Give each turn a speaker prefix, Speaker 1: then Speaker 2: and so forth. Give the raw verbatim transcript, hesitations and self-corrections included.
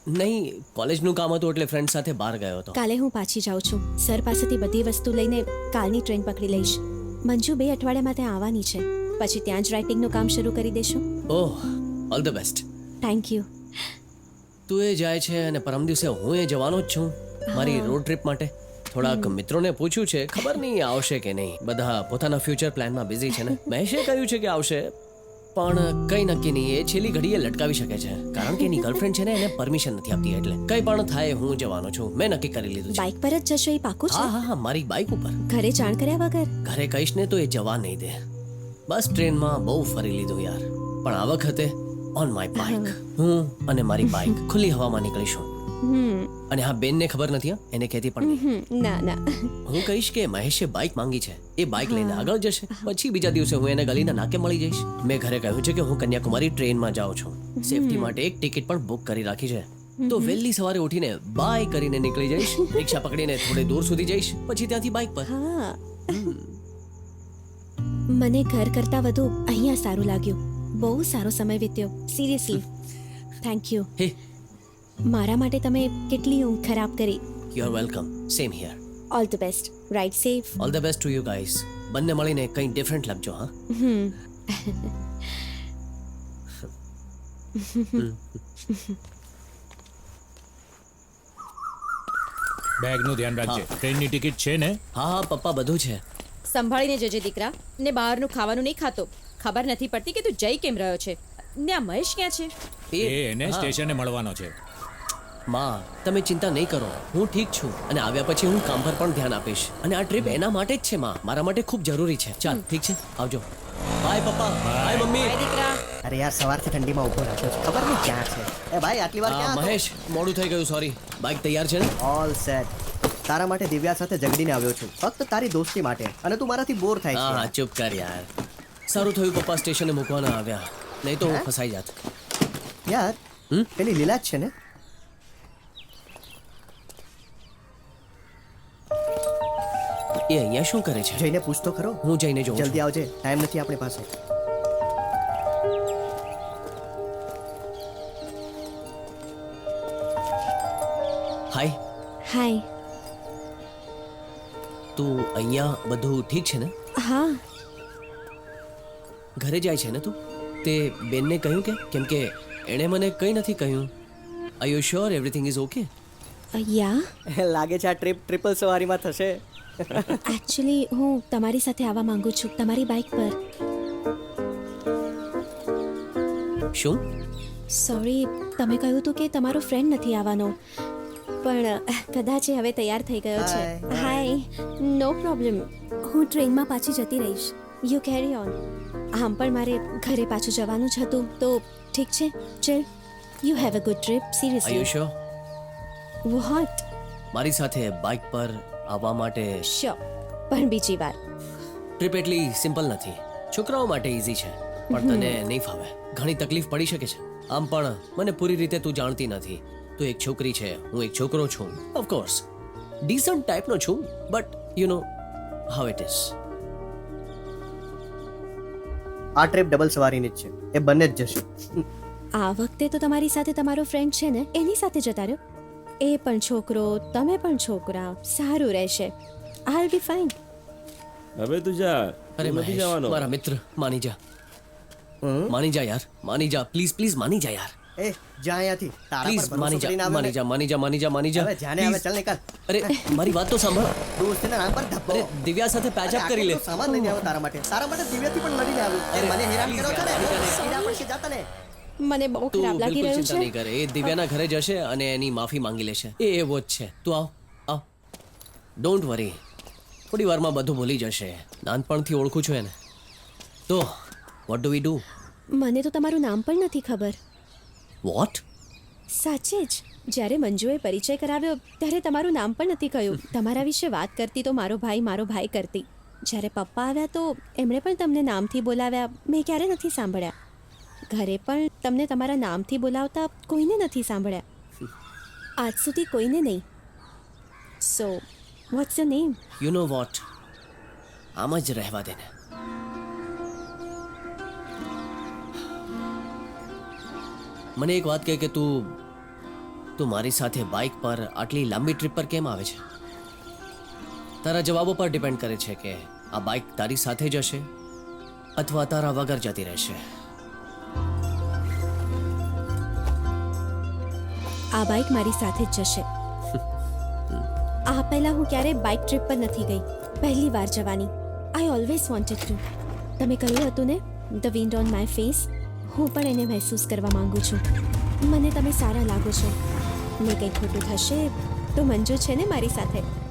Speaker 1: નહીં, કોલેજનું કામ હતું એટલે ફ્રેન્ડ સાથે બહાર ગયો હતો.
Speaker 2: કાલે હું પાછી જાઉં છું. સર પાસેથી બધી વસ્તુ લઈને કાલની ટ્રેન પકડી લઈશ. મંજુ બે અઠવાડિયામાં ત્યાં આવવાની છે. પછી ત્યાં જ રાઇટિંગનું કામ શરૂ કરી દેશું.
Speaker 1: Oh, all the best.
Speaker 2: Thank you.
Speaker 1: તું એ જાય છે અને પરમ દિવસે હું એ જવાનો જ છું મારી રોડ ટ્રીપ માટે. થોડાક મિત્રોને પૂછ્યું છે, ખબર નહીં આવશે કે નહીં. બધા પોતાના ફ્યુચર પ્લાનમાં બિઝી છે ને. મહેશે કહ્યું છે કે આવશે, પણ કઈ નક્કી નહીં. એ છેલ્લી ઘડીએ લટકાવી શકે છે કારણ કે એની ગર્લફ્રેન્ડ છે ને એને પરમિશન નથી આપતી. એટલે કઈ પણ થાય હું જવાનો છું. મેં નક્કી કરી લીધું છે.
Speaker 2: બાઇક પર જ જશો એ પાકું છે?
Speaker 1: હા હા હા, મારી બાઇક ઉપર.
Speaker 2: ઘરે જાણ કર્યા વગર?
Speaker 1: ઘરે કહીશ ને તો એ જવા નહીં દે. બસ ટ્રેનમાં બહુ ફરી લીધું યાર, પણ આ વખતે ઓન માય બાઇક. હું અને મારી બાઇક ખુલ્લી હવામાં નીકળીશું.
Speaker 2: હમ
Speaker 1: અને હા, બેનને ખબર નથી, હા, એને કહેતી પણ નહીં.
Speaker 2: હમ, ના ના.
Speaker 1: હું કહીશ કે મહેશે બાઇક માંગી છે, એ બાઇક લઈને આગળ જશે. પછી બીજા દિવસે હું એને ગલીના નાકે મળી જઈશ. મેં ઘરે કહ્યું છે કે હું કન્યાકુમારી ટ્રેનમાં જાઉં છું. સેફટી માટે એક ટિકિટ પણ બુક કરી રાખી છે. તો વહેલી સવારે ઉઠીને બાય કરીને નીકળી જઈશ. રિક્ષા પકડીને થોડે દૂર સુધી જઈશ, પછી ત્યાંથી બાઇક પર.
Speaker 2: હા, મને ઘર કરતાં વધુ અહીંયા સારું લાગ્યું. બહુ સારો સમય વીત્યો. Seriously thank you.
Speaker 1: હે,
Speaker 2: મારા માટે તમે કેટલી ઊંઘ ખરાબ કરી.
Speaker 1: You are welcome. Same here.
Speaker 2: All the best. Ride safe.
Speaker 1: All the best to you guys. બંને મળીને કંઈ ડિફરન્ટ લખજો. હા,
Speaker 2: હમ
Speaker 3: બેગનું ધ્યાન રાખજે. ટ્રેનની ટિકિટ છે ને?
Speaker 1: હા હા પપ્પા, બધું છે.
Speaker 4: સંભાળીને જજે દીકરા. ને બહારનું ખાવાનું નહીં ખાતો. ખબર નથી પડતી કે તું જઈ કેમ રહ્યો છે. ને આ મહેશ ક્યાં છે?
Speaker 3: એ એને
Speaker 1: હા.
Speaker 3: સ્ટેશને મળવાનો છે.
Speaker 1: માં, તમે ચિંતા નહીં કરો, હું ઠીક છું. અને આવ્યા પછી હું કામ પર પણ ધ્યાન આપીશ. અને આ ટ્રીપ એના માટે જ છે માં, મારા માટે ખૂબ જરૂરી છે. ચાલ ઠીક છે, આવજો. Bye papa. Bye mummy.
Speaker 4: ભાઈ દીકરા.
Speaker 5: અરે યાર, સવારથી ઠંડીમાં ઊભો રાખ્યો છે, ખબર નહીં ક્યાં છે. એ ભાઈ, આટલી વાર
Speaker 1: આ
Speaker 5: ક્યાં હતો?
Speaker 1: મહેશ, મોડું થઈ ગયું, સોરી. બાઇક તૈયાર છે ને?
Speaker 5: All set. તારા માટે દિવ્યા સાથે ઝઘડીને આવ્યો છું, ફક્ત તારી દોસ્તી માટે. અને તું મારાથી બોર થાય
Speaker 1: હા હા,
Speaker 5: છે.
Speaker 1: ચૂપ કર યાર. સારું થયું પપ્પા સ્ટેશને મૂકવાના આવ્યા, નહીં તો હું
Speaker 5: હે?
Speaker 1: ફસાઈ જાત.
Speaker 5: યાર,
Speaker 1: હમ?
Speaker 5: પેલી લીલા જ છે ને?
Speaker 1: એ અહીંયા શું કરે છે?
Speaker 5: જઈને પૂછ તો ખરો.
Speaker 1: હું જઈને જોઉં
Speaker 5: જલ્દી
Speaker 1: છું.
Speaker 5: આવજે, ટાઈમ નથી આપણી પાસે.
Speaker 1: હાય.
Speaker 2: હાય.
Speaker 1: તું અહીંયા બધું ઠીક છે ને?
Speaker 2: હા,
Speaker 1: ઘરે જાય છે ને તું? તે બેનને કહ્યું કે? કેમ કે એણે મને કંઈ નથી કહ્યું. Are you sure everything is okay?
Speaker 2: Yeah
Speaker 5: લાગે છે આ ટ્રીપ ટ્રિપલ સવારીમાં થશે.
Speaker 2: એકચ્યુઅલી હું તમારી સાથે આવવા માંગુ છું, તમારી બાઇક પર.
Speaker 1: શું?
Speaker 2: સોરી, તમે કહ્યું હતું કે તમારો ફ્રેન્ડ નથી આવવાનો, પણ કદાચ એ હવે તૈયાર થઈ ગયો છે.
Speaker 5: Hi.
Speaker 2: હાય. No problem. હું ટ્રેનમાં પાછી જતી રહીશ. You carry on. આમ પણ મારે ઘરે પાછું જવાનું જ હતું, તો ઠીક છે. ચલ, you have a good trip.
Speaker 1: Are you
Speaker 2: seriously.
Speaker 1: Sure?
Speaker 2: What?
Speaker 1: મારી સાથે બાઇક પર આવવા માટે?
Speaker 2: શ્યોર, પણ બીજી વાર.
Speaker 1: ટ્રીપ એટલી સિમ્પલ નથી. છોકરાઓ માટે ઇઝી છે, પણ તને નહીં ફાવે. ઘણી તકલીફ પડી શકે છે. આમ પણ મને પૂરી રીતે તું જાણતી નથી. તું એક છોકરી છે, હું એક છોકરો છું. ઓફકોર્સ ડીસન્ટ ટાઈપનો છું, but you know how it is.
Speaker 5: આ ટ્રીપ ડબલ સવારીની જ છે, એ બંને જ જશે.
Speaker 2: આ વખતે તો તમારી સાથે તમારો ફ્રેન્ડ છે ને, એની સાથે જતા રહ્યો. એ પણ છોકરો, તમે પણ છોકરા. સારું રહેશે. I be fine.
Speaker 6: હવે તું જા.
Speaker 1: અરે
Speaker 6: તું નથી
Speaker 1: મહેશ,
Speaker 6: જવાનો.
Speaker 1: મારા મિત્ર, માની જા.
Speaker 5: હમ?
Speaker 1: માની જા યાર, માની જા પ્લીઝ પ્લીઝ, માની જા યાર.
Speaker 5: એ જા અહીંયાથી. તારા
Speaker 1: પ્લીઝ
Speaker 5: પર
Speaker 1: માની
Speaker 5: ભરોસો કરીને
Speaker 1: જા,
Speaker 5: આવ્યો
Speaker 1: માની
Speaker 5: ને.
Speaker 1: જા, માની જા, માની જા, માની જા.
Speaker 5: હવે જાને હવે
Speaker 1: Please.
Speaker 5: ચાલ નીકળ.
Speaker 1: અરે મારી વાત તો સાંભળ.
Speaker 5: દોસ્તના નામ પર ધબ્બો.
Speaker 1: અરે દિવ્યા સાથે પેચ
Speaker 5: અરે
Speaker 1: અપ કરી લે.
Speaker 5: આટલો સામાન લઈને આવ્યો તારા માટે. તારા માટે દિવ્યાથી પણ લડીને આવ્યો. એ
Speaker 1: અરે,
Speaker 5: મને હેરાન
Speaker 1: please
Speaker 5: કરો છો ને.
Speaker 1: યાર,
Speaker 5: સીધા પડશે જાતા ને.
Speaker 2: મને બહુ
Speaker 1: તું
Speaker 2: ખરાબ લાગી
Speaker 1: બિલકુલ
Speaker 2: રહ્યું
Speaker 1: ચિંતા નહીં
Speaker 2: છે.
Speaker 1: કરે. એ દિવ્યાના ઘરે જશે અને એની માફી માંગી લેશે. એ એવો જ છે. તું આવ આવ. ડોન્ટ વરી, થોડી વારમાં બધું ભૂલી જશે. નાનપણથી ઓળખું છું એને. તો વોટ ડુ વી ડુ?
Speaker 2: મને તો તમારું નામ પણ નથી ખબર.
Speaker 1: વોટ?
Speaker 2: સાચે જ. જ્યારે મંજુએ પરિચય કરાવ્યો ત્યારે તમારું નામ પણ નથી કહ્યું. તમારા વિશે વાત કરતી તો મારો ભાઈ મારો ભાઈ કરતી. જ્યારે પપ્પા આવ્યા તો એમણે પણ તમને નામથી બોલાવ્યા. મેં ક્યારે નથી સાંભળ્યા. ઘરે પણ તમને તમારા નામથી બોલાવતા કોઈને નથી સાંભળ્યા. આજ સુધી કોઈને નહીં. So what's your name?
Speaker 1: You know what, આમ જ રહેવા દે ને. મને એક વાત કહે કે તું તું મારી સાથે બાઇક પર આટલી લાંબી ટ્રીપ પર કેમ આવે છે? તારા જવાબો પર ડિપેન્ડ કરે છે કે આ બાઇક તારી સાથે જશે અથવા તારા વગર જતી રહેશે.
Speaker 2: આ બાઇક મારી સાથે જ જશે. આ પહેલા હું ક્યારેય બાઇક ટ્રીપ પર નથી ગઈ. પહેલી વાર જવાની. I always wanted to. તમે કહ્યું હતું ને, the wind on my face. હું પણ એને મહેસૂસ કરવા માંગુ છું. મને તમે સારા લાગો છો. ને કંઈ ખોટું થશે તો મંજુ છે ને મારી સાથે.